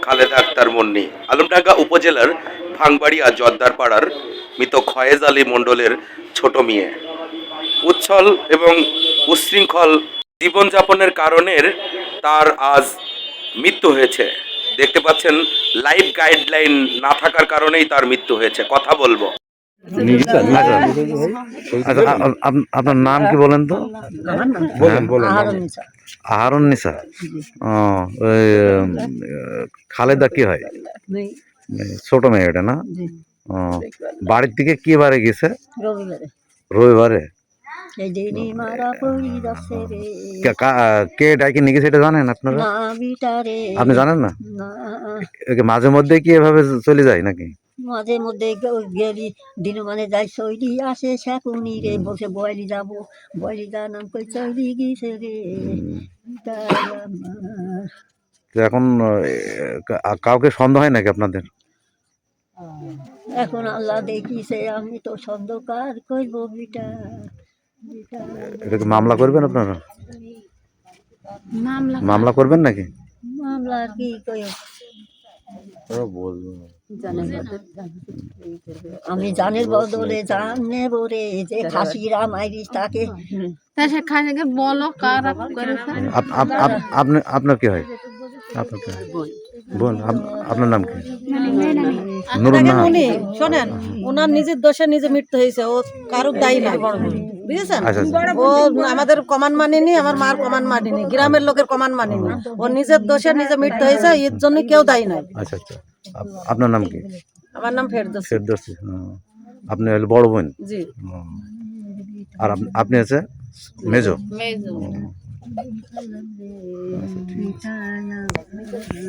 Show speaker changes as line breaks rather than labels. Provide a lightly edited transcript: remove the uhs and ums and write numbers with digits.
খালেদা আক্তার মুন্নি। আলমডাঙ্গা উপজেলার ভাঙবাড়িয়া জর্দারপাড়ার মৃত খয়েজ আলী মণ্ডলের ছোট মেয়ে। উচ্ছল এবং উচ্ছৃঙ্খল জীবনযাপনের কারণের তার আজ মৃত্যু হয়েছে। দেখতে পাচ্ছেন লাইফ গাইডলাইন না থাকার কারণেই তার মৃত্যু হয়েছে। কথা বলবো।
আপনার নাম কি বলেন তো? আহারুন্নিসা। ও, ওই খালেদা কি হয়? ছোট মেয়ে এটা না? ও, বাড়ির থেকে কি বারে গেছে? রবিবারে। কে ডাকি নিয়ে গেছে এটা জানেন আপনারা? আপনি জানেন না? মাঝে মধ্যে কি এভাবে চলে যায় নাকি?
মাঝে মধ্যে গেলি দিন মানে যাই চৈলি আসে শাকুনি রে বসে বয়লি যাব বয়লি যা নাম কই চৈলি গিয়েছে রে।
এখন কাউকে সন্দেহ হয় নাকি আপনাদের?
এখন আল্লাহ দেখিছে, আমি তো সন্দেহকার করবো বিটা।
এটাকে মামলা করবেন আপনারা? মামলা করবেন নাকি?
মামলা আর কি কই আমি জানের বদলে জান নেব রে, যে খাসিরা মাইরিস তাকে
বলো কারা
আপনার কি হয়? আপনার কি হয়? বোন। আপনার নাম কি?
শোনেন, ওনার নিজের দোষে নিজে মৃত্যু হয়েছে, ও কারুর দায়ী নাই, বুঝেছেন? ও আমাদের কমান্ড মানেনি, আমার মার কমান্ড মানেনি, গ্রামের লোকের কমান্ড মানেনি, ও নিজের দোষে নিজে মৃত্যু হয়েছে, এর জন্য কেউ দায়ী নাই।
আচ্ছা আচ্ছা, আপনার নাম কি?
আমার নাম ফেরদৌসী।
ফেরদৌসী। আপনি হলো বড় বোন?
জি।
আর আপনি আছে মেজো?